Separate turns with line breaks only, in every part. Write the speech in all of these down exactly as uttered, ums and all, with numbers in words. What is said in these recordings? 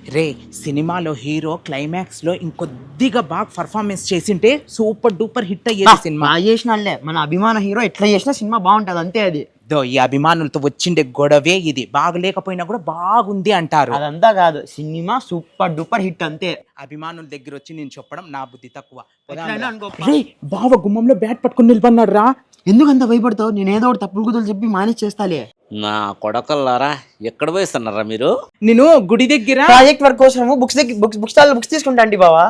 రే సినిమాలో hero climax లో ఇంకొద్దిగా బాగా పర్ఫార్మెన్స్ చేసింటే సూపర్ డూపర్ హిట్ అయ్యేది సినిమా.
బాగా చేసినాలే మన అభిమాన హీరో ఎట్లా చేసినా సినిమా బాగుంటది అంతే. అది
దో ఈ అభిమానులతో వచ్చిండే గొడవే ఇది. బాగలేకపోయినా కూడా బాగుంది అంటారు.
అదంతా కాదు, సినిమా సూపర్ డూపర్ హిట్ అంతే.
అభిమానుల దగ్గర వచ్చి నేను చెప్పడం నా బుద్ధి తక్కువ.
ఎట్లైనా అనుకో.
రే బావ గుమ్మంలో బ్యాట్ పట్టుకుని నిలబడినాడు రా.
ఎందుకంత భయపడతావు? నేను ఏదో ఒకటి తప్పుడు కుదులు చెప్పి మేనేజ్ చేస్తాలే.
నా కొడకల్లారా ఎక్కడ పోయిస్తున్నారా మీరు?
నేను గుడి దగ్గర
ప్రాజెక్ట్ వర్క్ కోసం books books book stall books తీసుకుంటా అండి బావా.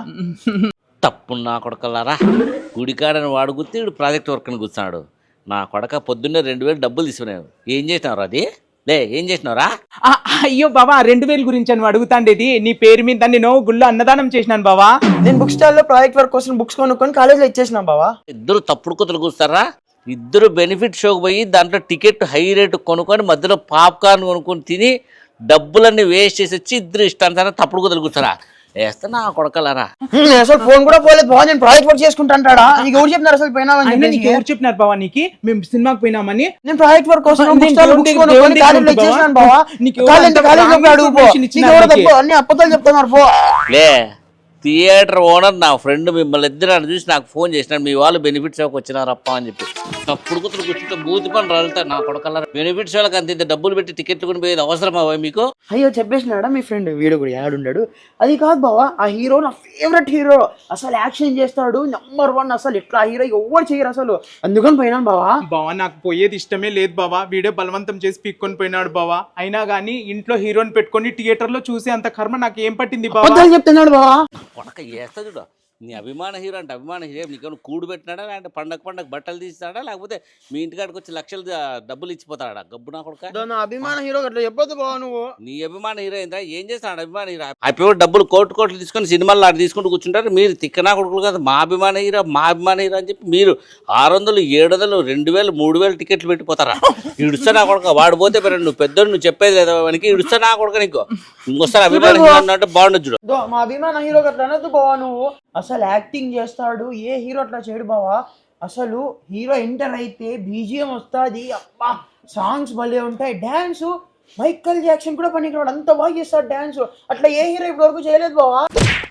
తప్పు నా కొడకల్లారా. గుడికాడని వాడు గుర్తి వీడు ప్రాజెక్ట్ వర్క్ అని కూర్చున్నాడు. నా కొడక పొద్దున్నే రెండు వేలు డబ్బులు తీసుకున్నావు. ఏం చేసినావు అది? లే ఏం చేసినావురా?
ఆ, అయ్యో బావా రెండు వేల గురించి అని అడుగుతాండేది. నీ పేరు మీద నేను గుళ్ళో అన్నదానం చేసినాను బావా.
నేను బుక్ స్టాల్ లో ప్రాజెక్ట్ వర్క్ కోసం బుక్స్ కొనుక్కొని కాలేజ్ లో ఇచ్చేసిన బావా.
ఇద్దరు తప్పుడు కుతులు కూర్స్తారా? ఇద్దరు బెనిఫిట్ షోకి పోయి దాంట్లో టికెట్ హై రేటు కొనుక్కొని మధ్యలో పాప్కార్న్ కొనుక్కొని తిని డబ్బులన్నీ వేస్ట్ చేసి వచ్చి ఇద్దరు ఇష్టానుసారం తప్పుడు కుతులు కూర్చారా? వేస్తా నా కొడకలారా.
అసలు ఫోన్ కూడా పోలేదు బావా. నేను ప్రాజెక్ట్ వర్క్ చేసుకుంటా అంటాడా? నీకు ఎవరు చెప్పినారు అసలు పోయినావని?
నీకు ఎవరు చెప్పినారు బావా నీకు మేము సినిమాకి పోయినామని?
నేను ప్రాజెక్ట్ వర్క్ కోసం బుక్ స్టాల్ బుక్స్ కొనుక్కొని కాలేజ్ లో ఇచ్చేసినాను బావా.
నీకు
కాలేజ్ కాలేజ్ లో అడుగు పో. నీకు ఎవరు తప్పు అన్ని అబద్ధాలు చెప్తున్నారు పో.
లే థియేటర్ ఓనర్ నా ఫ్రెండ్ మిమ్మల్ని ఇద్దరు చూసి నాకు ఫోన్ చేసినాడు. మీ వాళ్ళు బెనిఫిట్ షోకి వచ్చినారప్ప అని చెప్పి తప్పుడు కుతులు కూర్చుంటే బూతి పని రాలుతారు నా కొడకల్లారా. బెనిఫిట్ షోలకు అంత ఇంత డబ్బులు పెట్టి టికెట్లు కొని పోయేది అవసరమా మీకు?
అయ్యో చెప్పేసినాడా మీ ఫ్రెండ్? వీడు కూడా యాడుండాడు. అది కాదు బావా, ఆ హీరో నా ఫేవరెట్ హీరో. అసలు యాక్షన్ చేస్తాడు నెంబర్ వన్. అసలు ఇట్లా హీరో ఎవరు చేయరు అసలు. అందుకని పోయినాను బావా.
బావా నాకు పోయేది ఇష్టమే లేదు బావా. వీడియో బలవంతం చేసి పీక్కొని పోయినాడు బావా. అయినా గానీ ఇంట్లో హీరోని పెట్టుకొని థియేటర్ లో చూసే అంత కర్మ నాకు ఏం పట్టింది బావా?
అబద్ధాలు చెప్తున్నాడు బావా.
కొడక చేస్తా చూడ. నీ అభిమాన హీరో అంటే అభిమాన హీరో నీకేమైనా కూడు పెట్టినాడా, లేదంటే పండగ పండగ బట్టలు తీస్తాడా, లేకపోతే మీ ఇంటికాడికి వచ్చి లక్షలు డబ్బులు ఇచ్చిపోతాడా? గబ్బు నా కొడుక.
నా అభిమాన హీరో అట్లా చెప్పొద్దు బావా నువ్వు.
నీ అభిమాన హీరో ఏంటా? ఏం చేస్తాడు అభిమాన హీరో? అయిపోయి డబ్బులు కోట్లు కోట్లు తీసుకొని సినిమాలు ఆడ తీసుకుంటూ కూర్చుంటారు. మీరు తిక్కనా కొడుకులు కదా. మా అభిమాన హీరో మా అభిమాన హీరో అని చెప్పి మీరు ఆరు వందలు ఏడు వందలు రెండు వేలు మూడు వేలు టికెట్లు పెట్టిపోతారా? ఇడుస్తా నా కొడుక. వాడు పోతే పెర నువ్వు పెద్దోడు, నువ్వు చెప్పేది లేదా వానికి? ఇడుస్తా నా కొడుక. నీకు ఇంకోసారి అభిమాన హీరో అన్నట్టు బాగుండదు చూడు.
మా అభిమాన హీరో అట్లా అనొద్దు బావా నువ్వు. అసలు యాక్టింగ్ చేస్తాడు, ఏ హీరో అట్లా చేయడు బావా. అసలు హీరో ఎంటర్ అయితే బీజిఎం వస్తుంది, అబ్బా సాంగ్స్ భలే ఉంటాయి. డ్యాన్స్ మైకల్ జాక్సన్ కూడా పనికిరాడు, అంత బాగా చేస్తాడు డ్యాన్స్. అట్లా ఏ హీరో ఇప్పటి వరకు చేయలేదు బావా.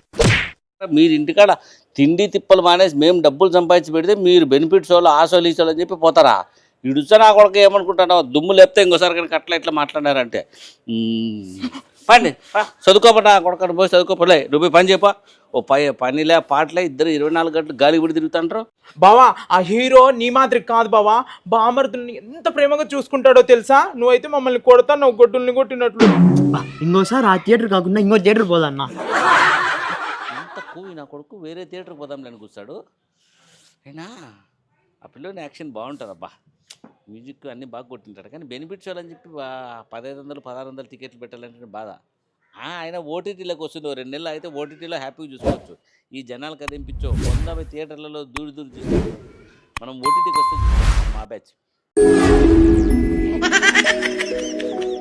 మీరు ఇంటికాడ తిండి తిప్పలు మానేసి మేము డబ్బులు సంపాదించి పెడితే మీరు బెనిఫిట్స్ వాళ్ళు ఆశలు ఈసోలు అని చెప్పి పోతారా? ఇడుచా నా కొడుకు ఏమనుకుంటున్నావు? దుమ్ము లేపితే ఇంకోసారి కనుక అట్లా ఇట్లా మాట్లాడారంటే పండి చదువుకోపా కొడుకు పోయి చదువుకోపలే. నువ్వు పని చెప్పా. ఓ పై పనిలే పాటలే ఇద్దరు ఇరవై నాలుగు గంటలు గాలి గుడి తిరుగుతుంటారు.
బావా ఆ హీరో నీ మాదిరి కాదు బావా. బామర్దుల్ని ఎంత ప్రేమగా చూసుకుంటాడో తెలుసా? నువ్వైతే మమ్మల్ని కొడతా, నువ్వు గొడ్డుల్ని కొట్టినట్లు.
ఇంకోసారి ఆ థియేటర్ కాకుండా ఇంకో థియేటర్ పోదన్నా.
ఎంత కూవి నా కొడుకు. వేరే థియేటర్ పోదాంలే అని కూర్చాడు. అయినా ఆ పిల్లోని యాక్షన్ బాగుంటుంది అబ్బా. మ్యూజిక్ అన్నీ బాగా కొట్టింటాడు. కానీ బెనిఫిట్స్ అని చెప్పి పదహైదు వందలు పదహారు వందలు టికెట్లు పెట్టాలంటే బాధ. ఆయన ఓటీటీలోకి వస్తుంది. రెండు నెలలు అయితే ఓటీటీలో హ్యాపీగా చూసుకోవచ్చు. ఈ జనాలకు అదేంపించో వంద థియేటర్లలో దూరి దూరి చూసుకోవచ్చు. మనం ఓటీటీకి వస్తే మా బ్యాచ్